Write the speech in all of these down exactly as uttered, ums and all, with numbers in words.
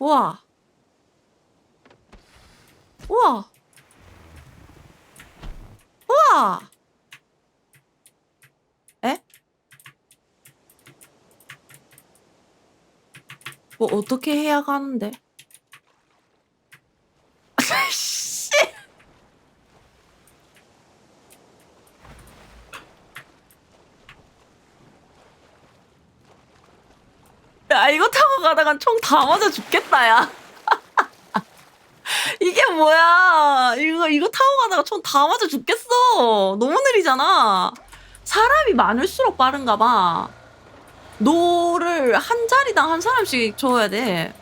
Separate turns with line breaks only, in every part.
우와. 우와. 우와. 에? 뭐 어떻게 해야 가는데? 씨. 야, 이거 타고 가다간 총 다 맞아 죽겠다, 야. 이게 뭐야. 이거, 이거 타고 가다가 총 다 맞아 죽겠어. 너무 느리잖아. 사람이 많을수록 빠른가 봐. 노를 한 자리당 한 사람씩 줘야 돼.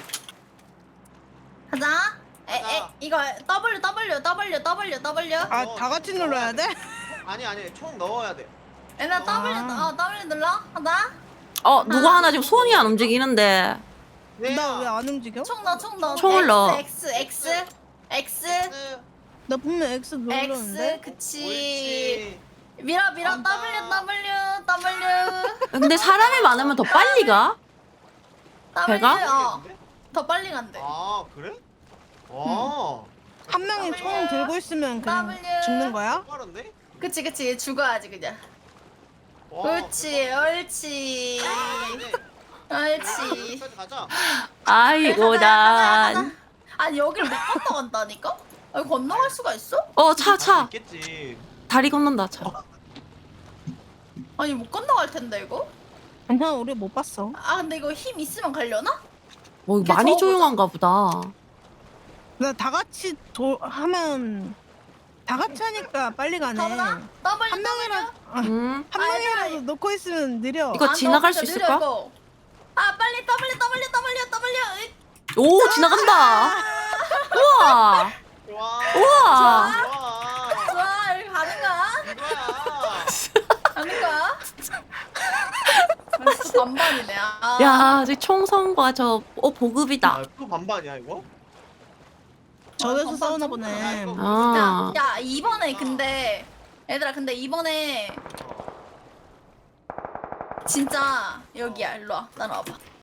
가자. 에, 에, 이거 W, W, W, W, W.
아, 다 같이 눌러야 돼?
아니 아니 총 넣어야 돼.
얘나 W,
아.
어, W 눌러. 가자.
어, 누구 하나 지금 손이 안 움직이는데.
나 왜 안 움직여?
총 넣어, 총 넣어.
총을 넣어.
X, X, X, X,
나 분명 X 눌렀는데?
X, 그치.
옳지.
밀어, 밀어.
간다.
W, W, W.
근데 사람이 많으면 더 빨리 가?
W,
배가?
어. 더 빨리 간대.
아 그래? 와.
한 명이 총 들고 있으면 그냥
W.
죽는 거야?
빠른데?
그치, 그치. 죽어야지, 그냥.
와,
옳지, 옳지.
대박.
옳지.
여기까지 가자.
아이고,
가자, 가자,
난.
가자. 아니, 여기를 못 건너간다니까? 여기 건너갈 수가 있어?
어, 차,
할수
차.
있겠지.
다리 건넌다, 차.
아니, 못 건너갈 텐데, 이거?
괜찮아, 우리 못 봤어.
아, 근데 이거 힘 있으면 가려나?
뭐,
이렇게
많이
저어보자.
조용한가 보다.
나 다 같이 도, 하면 다 같이 하니까 빨리 가네.
가보자.
한
W,
명이라
W.
음.
한
아니,
명이라도
아니.
놓고 있으면 느려.
이거
아,
지나갈
너
수
진짜
있을까?
느려, 이거. 아, 빨리 W, W, W, W. 으이.
오, 지나간다. 우와.
좋아.
우와.
좋아.
좋아, 여기 가는 거야?
이거야.
가는 거야? 아, 진짜 반반이네. 아.
야, 저 총선과 저, 어, 보급이다.
아, 또 반반이야 이거?
저기서
어,
싸우나
어,
보네.
어.
아.
야, 야, 이번에 근데 얘들아, 근데 이번에 진짜 여기야. 일로 와. 따라와봐.